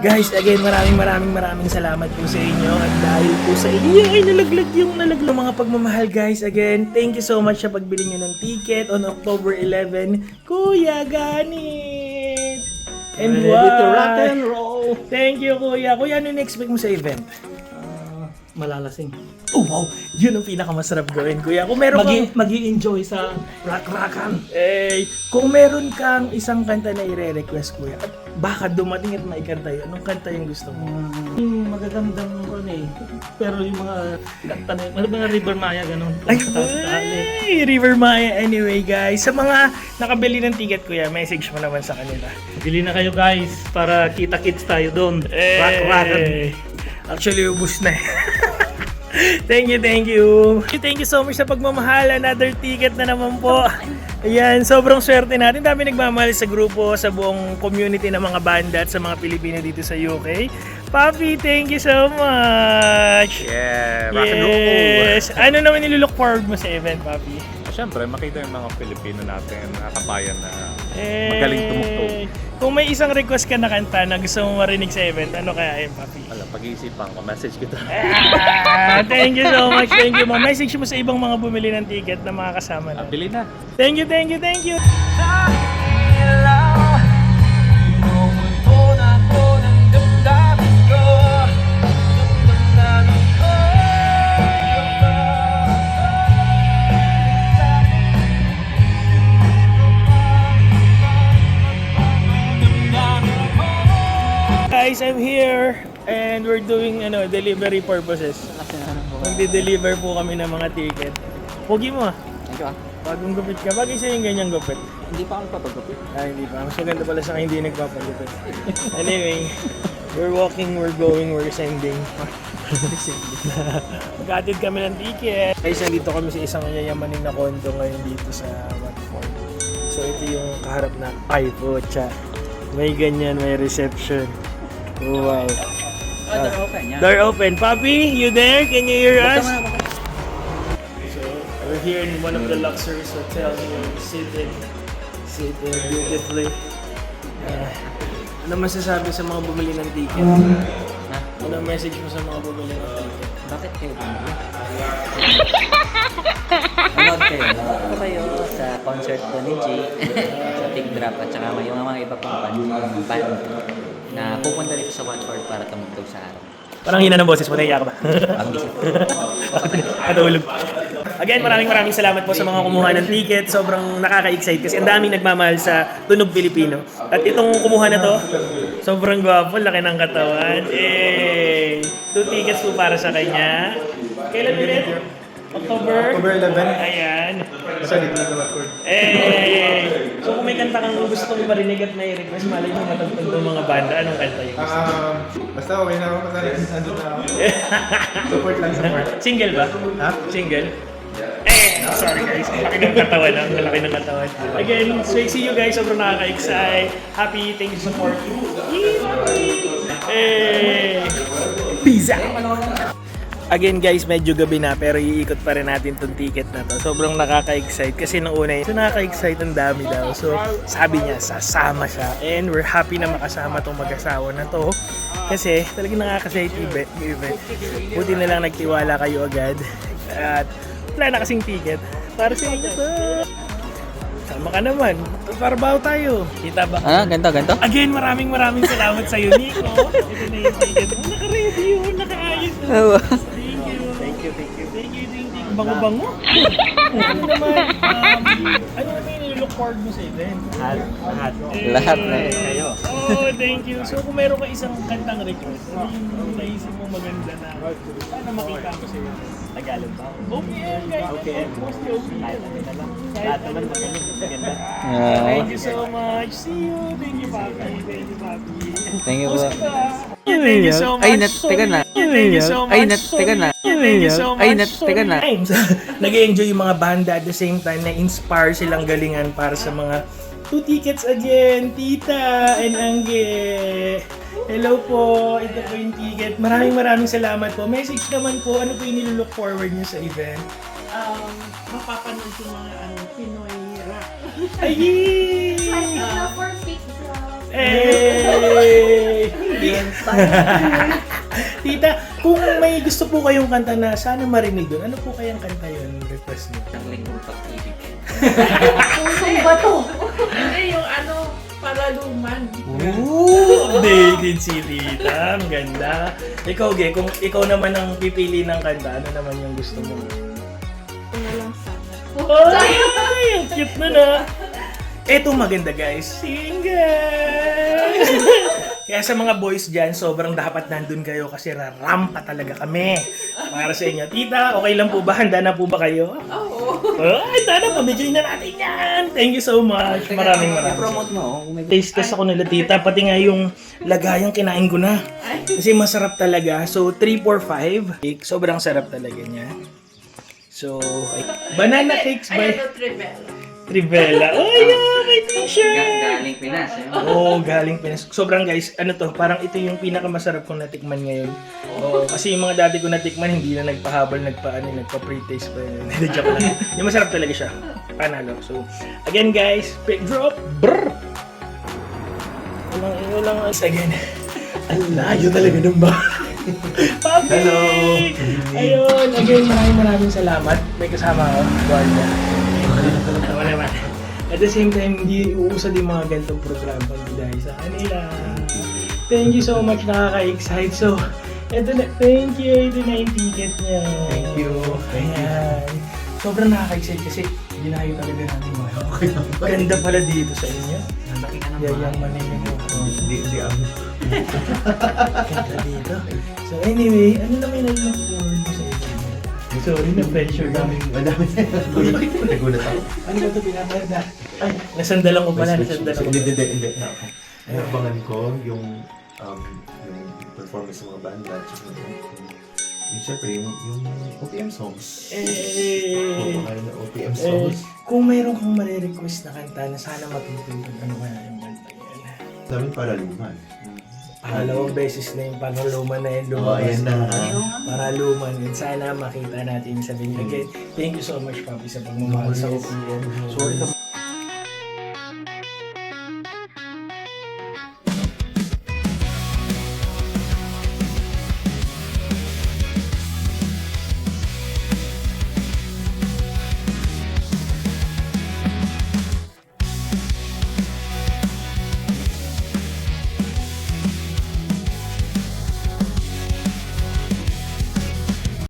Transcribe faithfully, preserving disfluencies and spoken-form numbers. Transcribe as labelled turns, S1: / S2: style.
S1: Guys, again, maraming maraming maraming salamat po sa inyo. At dahil po sa inyo ay nalaglag yung nalaglag mga pagmamahal, guys. Again, thank you so much sa pagbili nyo ng ticket on October eleventh. Kuya Ganit! And
S2: Ready to
S1: wow!
S2: rock and roll!
S1: Thank you, Kuya. Kuya, ano na-expect mo sa event?
S2: Uh, malalasing.
S1: Oh, wow! Yun ang pinakamasarap gawin, Kuya. Kung meron kang...
S2: Magi, magi-enjoy sa rock-rockan.
S1: Eh, kung meron kang isang kanta na i-request, Kuya, at baka dumating at maikanta yun, anong kanta yung gusto mo?
S2: Um, magagandang ano eh. Pero yung mga kanta na yung mga River Maya ganun.
S1: Ay,
S2: Taas-taas,
S1: ay, River Maya. Anyway, guys, sa mga nakabili ng ticket, Kuya, message mo naman sa kanila.
S2: Bili na kayo guys para kita-kits tayo doon.
S1: Eh,
S2: Rock-rockan.
S1: Actually, ubus na eh. Thank you, thank you. Thank you so much sa pagmamahal. Another ticket na naman po. Ayan, sobrang swerte natin. Dami nagmamahal sa grupo, sa buong community ng mga banda at sa mga Pilipino dito sa U K. Papi, thank you so much.
S3: Yeah, rock and roll!
S1: Yes. Ano naman nilulook forward mo sa event, Papi?
S3: Siyempre, makita yung mga Pilipino natin, mga kabayan na
S1: Eh,
S3: magaling tumugtog.
S1: Kung may isang request ka na kanta na gusto mo marinig sa event, ano kaya yun, Papi?
S3: Alam, pag-iisipan ko, message kita.
S1: Ah, thank you so much, thank you. Message mo sa ibang mga bumili ng ticket na mga kasama
S3: Ah,
S1: na.
S3: bili na!
S1: Thank you, thank you, thank you. Guys, I'm here and we're doing ano delivery purposes. Magde-deliver po kami ng mga ticket. Pogi mo ah.
S4: Thank you ah.
S1: Bagong gupit ka. Bagay sa'yo yung ganyang gupit.
S4: Hindi pa ako nagpapagupit.
S1: Ah, hindi pa. Mas maganda pala sa akin hindi nagpapagupit. Anyway, we're walking, we're going, we're sending. Magkatid kami ng ticket. Guys, nandito kami sa isang yayamanin na condo ngayon dito sa Watford. So ito yung kaharap na ay pucha. May ganyan, may reception. Oh, wow.
S4: Oh, door open yan.
S1: Door open. Papi, you there? Can you hear us? So, we're here in one of the luxurious hotels. We're sitting, sitting beautifully. Uh, ano masasabi sa mga bumili ng ticket?
S4: Ha?
S1: Ano ang message mo sa mga bumili ng ticket?
S4: Bakit kayo bumili? Manood kayo. Manood ko kayo sa concert ko ni Jay, sa Big Drop, at saka yung mga iba pang band, band na pupunta dito sa Watford para tumugtog sa araw.
S1: Parang hina ng boses mo, naiya ka ba?
S4: Ang isa.
S1: Katulog. Again, maraming maraming salamat po sa mga kumuha ng ticket. Sobrang nakaka-excite kasi ang daming nagmamahal sa Tunog Pilipino. At itong kumuha na to, sobrang gwapo, laki ng katawan. Eh, two tickets po para sa kanya. Kailan ulit? October?
S5: October eleventh.
S1: Ayan.
S5: Sa Ligna na Watford.
S1: Eh, so kung may kanta kang gusto mong marinig at may request, malay mo matagpag ng mga banda, anong kanta yung gusto?
S5: Um, basta okay na ako kasi nandun na ako. Support lang, support.
S1: Single ba?
S5: Ha?
S1: Single? Eh, sorry guys. Ang laki ng katawan. Ang laki ng katawan. Again, so see you guys. Sobrang nakaka-excite. Happy. Thank you for supporting. Eh, pizza! Again guys, medyo gabi na pero iikot pa rin natin tong ticket na to. Sobrang nakaka-excite kasi nung una yun, so nakaka-excite ang dami daw. So sabi niya, sasama siya. And we're happy na makasama tong mag-asawa na to. Kasi talagang nakaka-excite yung event. Buti na lang nagtiwala kayo agad. At wala na kasing ticket. Para sa inyo to. Sama ka naman. Parbaw tayo. Kita ba?
S4: Ah, ganito, ganito?
S1: Again, maraming maraming salamat sa iyo, Nico. Ito na yung ticket mo. Naka-ready yun. Naka-ayos na.
S4: Oo.
S1: Thank you. Thank you, thank you. Thank you, thank you. Bango-bango. Ano naman, um, ano naman yung look forward mo sa event?
S2: Lahat. Lahat.
S4: Lahat na eh.
S2: Kayo.
S1: Oh, thank you. So kung meron ka isang kantang request, ano yung naisip mo maganda na sana makita mo sa iyo?
S2: Tagalog ba?
S1: O P M, guys.
S2: O P M.
S1: Mostly O P M.
S2: Kahit ano na lang. Lahat naman magaling. Maganda.
S4: Ah,
S1: Thank you so much. See you. Thank you, Papi. Thank you, Papi.
S4: Thank you po.
S1: Post ka. Thank you so much.
S4: Ay, nat- teka na.
S1: Thank you so much.
S4: Ay, nat- teka na.
S1: Thank you so much.
S4: Ay, nat- teka na.
S1: Nag-enjoy yung mga banda at the same time na-inspire silang galingan para sa mga two tickets again, Tita and Angge. Hello po, ito po yung ticket. Maraming maraming salamat po. Message naman po, ano po yung nilook forward niyo sa event?
S6: um, mapapanood yung mga ano, Pinoy rock.
S1: Ay!
S7: Na for pizza.
S1: Hey! Tita, kung may gusto po kayong kanta na sana marinig doon, ano po kayang kanta yun? Request niyo.
S4: Ang lingkong pag-ibig.
S7: Pusong bato.
S6: Hindi, yung ano, paraluman.
S1: Ooh, dated si Tita. Ang ganda. Ikaw, Ge, kung ikaw naman ang pipili ng kanta, ano naman yung gusto mo?
S6: Ito na lang sana.
S1: Ay, ang cute na na. Eto maganda guys, single! Kaya sa mga boys dyan, sobrang dapat nandun kayo kasi rarampa talaga kami para sa inyo. Tita, okay lang po ba? Handa na po ba kayo?
S6: Oo.
S1: Ay, tara, pabigay na natin yan! Thank you so much. Maraming maraming.
S4: I-promote mo. Kung may
S1: Taste test ako nila tita, pati nga yung lagayang kinain ko na. Kasi masarap talaga. So, three, four, five. Sobrang sarap talaga niya. So, ay, banana cakes by
S6: Ayan o, Trivella.
S1: Trivella. Oh, yeah, may
S4: Ga-
S1: t-shirt!
S4: galing Pinas. Eh.
S1: Oo, oh, galing Pinas. Sobrang guys, ano to, parang ito yung pinakamasarap kong natikman ngayon. Oo, kasi yung mga dati ko natikman, hindi na nagpahabol, nagpa-ano, nagpa-pre-taste pa yun. Hindi, joke lang. Yung masarap talaga siya. Panalo. So, again guys, pick drop. Brrr! Walang iyo lang as again. Ang layo talaga ng ba? Papi!
S5: Hello!
S1: Ayun, again, maraming maraming salamat. May kasama ako, Guardia. Tama naman. At the same time, hindi uusad yung mga ganitong program pag dahil sa kanila. Thank you so much, nakaka-excite. So, eto na, thank you, ito na yung ticket niya.
S5: Thank you. Thank you.
S1: Ayan. Sobrang nakaka-excite kasi dinayo talaga namin mga. Ganda pala dito sa inyo. Yayaman na yung mga.
S5: Hindi, hindi ako.
S1: Ganda dito. So anyway, ano naman yung look forward mo sa inyo? Sorry, na-pressure kami.
S5: Madami. Nagulat ako.
S1: Ano ba ito pinapalda? Ay, nasandalan ko pala, nasandalan ko.
S5: Hindi, hindi, hindi. Okay. Ay, abangan ko yung um, yung performance ng mga banda at saka yung, yung syempre yung, yung O P M songs.
S1: Eh,
S5: Kung kayo na O P M
S1: eh,
S5: songs.
S1: kung mayroon kang marirequest na kanta na sana matutulog, ano kaya yung kanta yan?
S5: Sabi para luman.
S1: Pangalawang beses na yung pangaluman na yun
S5: Oo,
S1: lumabas.
S5: ayan na.
S1: Paraluman yun. Sana makita natin sa video. Again, thank you so much, Papi, sa pagmamahal sa O P M. Sorry ka